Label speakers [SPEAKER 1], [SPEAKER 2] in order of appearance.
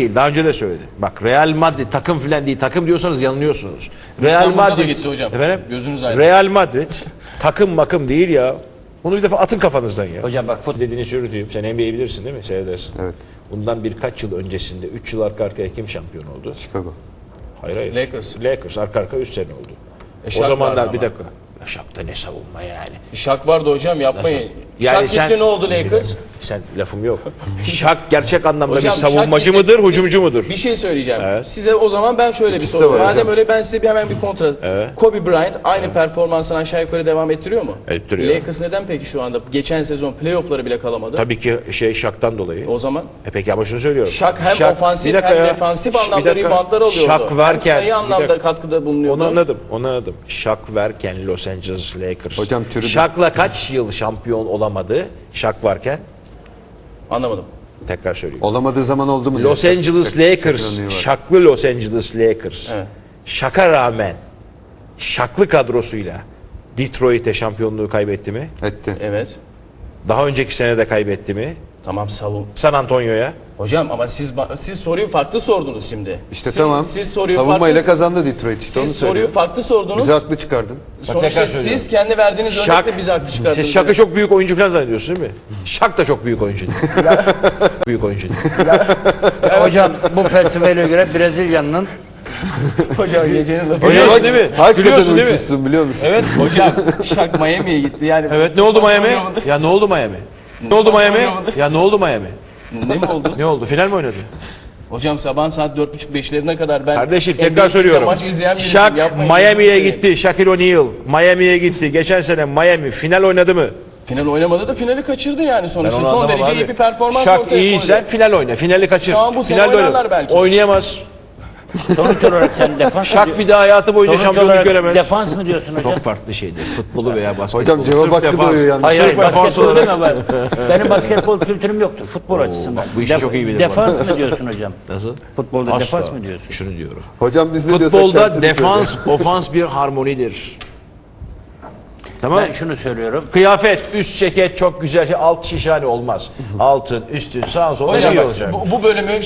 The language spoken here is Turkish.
[SPEAKER 1] değil. Daha önce de söyledi. Bak Real Madrid takım filan değil. Takım diyorsanız yanılıyorsunuz. Real
[SPEAKER 2] İstanbul'da da
[SPEAKER 1] Madrid
[SPEAKER 2] gitti hocam.
[SPEAKER 1] Efendim?
[SPEAKER 2] Gözünüz aydın.
[SPEAKER 1] Real Madrid takım makım değil ya. Bunu bir defa atın kafanızdan ya.
[SPEAKER 3] Hocam bak futbol
[SPEAKER 1] Dediğini söyleyeyim. Sen NBA'yi bilirsin değil mi? Seyredersin.
[SPEAKER 4] Evet.
[SPEAKER 1] Bundan birkaç yıl öncesinde 3 yıl arka arkaya kim şampiyon oldu?
[SPEAKER 4] Chicago.
[SPEAKER 1] Hayır.
[SPEAKER 2] Lakers.
[SPEAKER 1] Lakers arka arka 3 sene oldu. O
[SPEAKER 2] Şak vardı
[SPEAKER 1] zamanlar
[SPEAKER 2] ama.
[SPEAKER 1] bir dakika. Şak'ta ne savunma yani.
[SPEAKER 2] Şak vardı hocam, yapmayın.
[SPEAKER 1] Yani
[SPEAKER 2] Şak gitti, ne oldu Lakers?
[SPEAKER 1] Sen lafım yok. Şak gerçek anlamda
[SPEAKER 2] Hocam,
[SPEAKER 1] bir savunmacı
[SPEAKER 2] Şak
[SPEAKER 1] mıdır, hücumcu mudur?
[SPEAKER 2] Bir şey söyleyeceğim.
[SPEAKER 1] Evet.
[SPEAKER 2] Size o zaman ben şöyle bir
[SPEAKER 4] İkisi de
[SPEAKER 2] soru.
[SPEAKER 4] var
[SPEAKER 2] Madem
[SPEAKER 4] hocam.
[SPEAKER 2] öyle ben size hemen bir kontra.
[SPEAKER 1] Evet.
[SPEAKER 2] Kobe Bryant aynı performansını aşağı yukarı devam ettiriyor mu?
[SPEAKER 1] Ettiriyor.
[SPEAKER 2] Lakers neden peki şu anda geçen sezon playoff'ları bile kalamadı?
[SPEAKER 1] Tabii ki Şak'tan dolayı.
[SPEAKER 2] O zaman
[SPEAKER 1] Peki ama şunu söylüyorum.
[SPEAKER 2] Şak hem ofansif
[SPEAKER 1] bir dakika
[SPEAKER 2] hem
[SPEAKER 1] ya.
[SPEAKER 2] defansif
[SPEAKER 1] Bir
[SPEAKER 2] anlamda
[SPEAKER 1] dakika.
[SPEAKER 2] reboundlar alıyordu.
[SPEAKER 1] Şak varken
[SPEAKER 2] hem sayı
[SPEAKER 1] bir
[SPEAKER 2] anlamda
[SPEAKER 1] dakika.
[SPEAKER 2] katkıda bulunuyordu.
[SPEAKER 1] Onu anladım. Şak varken Los Angeles Lakers.
[SPEAKER 4] Hocam türü de-
[SPEAKER 1] Şak'la kaç yıl şampiyon olamadı? Şak varken
[SPEAKER 2] Anlamadım.
[SPEAKER 1] tekrar söyleyeyim.
[SPEAKER 4] Olamadığı zaman oldu mu?
[SPEAKER 1] Los
[SPEAKER 4] diye.
[SPEAKER 1] Angeles
[SPEAKER 4] Şak-
[SPEAKER 1] Lakers,
[SPEAKER 4] şampiyonluğu var.
[SPEAKER 1] Şaklı Los Angeles Lakers.
[SPEAKER 2] Evet.
[SPEAKER 1] Şaka rağmen Şaklı kadrosuyla Detroit'e şampiyonluğu kaybetti mi?
[SPEAKER 4] Etti.
[SPEAKER 2] Evet.
[SPEAKER 1] Daha önceki sene de kaybetti mi?
[SPEAKER 2] Tamam, savun.
[SPEAKER 1] San Antonio'ya.
[SPEAKER 2] Hocam ama siz soruyu farklı sordunuz şimdi.
[SPEAKER 4] İşte
[SPEAKER 2] siz,
[SPEAKER 4] tamam.
[SPEAKER 2] Siz soruyu
[SPEAKER 4] Savunmayla
[SPEAKER 2] farklı,
[SPEAKER 4] kazandı Detroit işte onu
[SPEAKER 2] siz soruyu
[SPEAKER 4] söylüyorum.
[SPEAKER 2] farklı sordunuz.
[SPEAKER 4] Bizi haklı çıkardın.
[SPEAKER 2] Sonuçta
[SPEAKER 1] tekrar söylüyorum.
[SPEAKER 2] siz kendi verdiğiniz örnekle bizi haklı çıkardınız.
[SPEAKER 1] Siz Şak'ı çok büyük oyuncu falan zannediyorsunuz değil mi? Şak da çok büyük oyuncu değil. Büyük oyuncu değil.
[SPEAKER 3] hocam bu felsefeyle göre Brezilya'nın
[SPEAKER 2] Hocam gecenin lafı.
[SPEAKER 1] Biliyorsun değil mi?
[SPEAKER 4] Hakikaten
[SPEAKER 1] Biliyorsun değil mi?
[SPEAKER 4] uçuşsun biliyor musun?
[SPEAKER 2] Evet hocam, Şak Miami'ye gitti yani.
[SPEAKER 1] Evet, ne oldu Miami? Ya ne oldu Miami? Ne oldu Miami? Ya ne oldu Miami?
[SPEAKER 2] Ne mi oldu?
[SPEAKER 1] Ne oldu? Final mi oynadı?
[SPEAKER 2] Hocam sabah saat 4.30-5'lerine kadar ben...
[SPEAKER 1] Kardeşim
[SPEAKER 2] NBA'de
[SPEAKER 1] tekrar söylüyorum.
[SPEAKER 2] Maç izleyen birisiyim.
[SPEAKER 1] Şak
[SPEAKER 2] Yapmayın.
[SPEAKER 1] Miami'ye gitti. Shaquille O'Neal Miami'ye gitti. Geçen sene Miami final oynadı mı?
[SPEAKER 2] Final oynamadı da finali kaçırdı yani sonuçta.
[SPEAKER 1] onu
[SPEAKER 2] Son
[SPEAKER 1] anlamam
[SPEAKER 2] derece
[SPEAKER 1] abi.
[SPEAKER 2] iyi bir performans
[SPEAKER 1] Şak
[SPEAKER 2] ortaya
[SPEAKER 1] iyiyse
[SPEAKER 2] koydu.
[SPEAKER 1] final oyna. Finali kaçır.
[SPEAKER 2] Tamam, bu sene
[SPEAKER 1] Finalde
[SPEAKER 2] oynarlar
[SPEAKER 1] oyna.
[SPEAKER 2] belki.
[SPEAKER 1] Oynayamaz.
[SPEAKER 3] sonuç olarak sen defans mı
[SPEAKER 1] Şak bir daha hayatı boyunca
[SPEAKER 3] sonuç
[SPEAKER 1] şampiyonluk
[SPEAKER 3] olarak
[SPEAKER 1] göremez.
[SPEAKER 3] defans mı diyorsun hocam?
[SPEAKER 1] Çok farklı şeydir. Futbolu veya basketbolu.
[SPEAKER 4] Hocam cevap
[SPEAKER 1] Sırf
[SPEAKER 4] hakkı
[SPEAKER 1] defans.
[SPEAKER 4] doğuyor yalnız.
[SPEAKER 3] Hayır,
[SPEAKER 1] Sırf defans
[SPEAKER 3] basketbol
[SPEAKER 1] olarak.
[SPEAKER 3] deme ben. Benim basketbol kültürüm yoktur futbol açısından.
[SPEAKER 1] bak bu işi çok iyi bilir
[SPEAKER 3] Defans
[SPEAKER 1] bak.
[SPEAKER 3] mı diyorsun hocam?
[SPEAKER 1] Nasıl?
[SPEAKER 3] Futbolda
[SPEAKER 1] Asla.
[SPEAKER 3] defans mı diyorsun?
[SPEAKER 1] Şunu diyorum.
[SPEAKER 4] Hocam biz ne diyorsak
[SPEAKER 1] Futbolda
[SPEAKER 4] tersini
[SPEAKER 1] defans,
[SPEAKER 4] söylüyor.
[SPEAKER 1] ofans bir harmonidir. Tamam.
[SPEAKER 3] Ben şunu söylüyorum.
[SPEAKER 1] Kıyafet, üst ceket çok güzel, alt şişhane olmaz. Altın, üstün, sağ sol
[SPEAKER 2] Hocam
[SPEAKER 1] iyi
[SPEAKER 2] bak,
[SPEAKER 1] olacak.
[SPEAKER 2] bu bölümü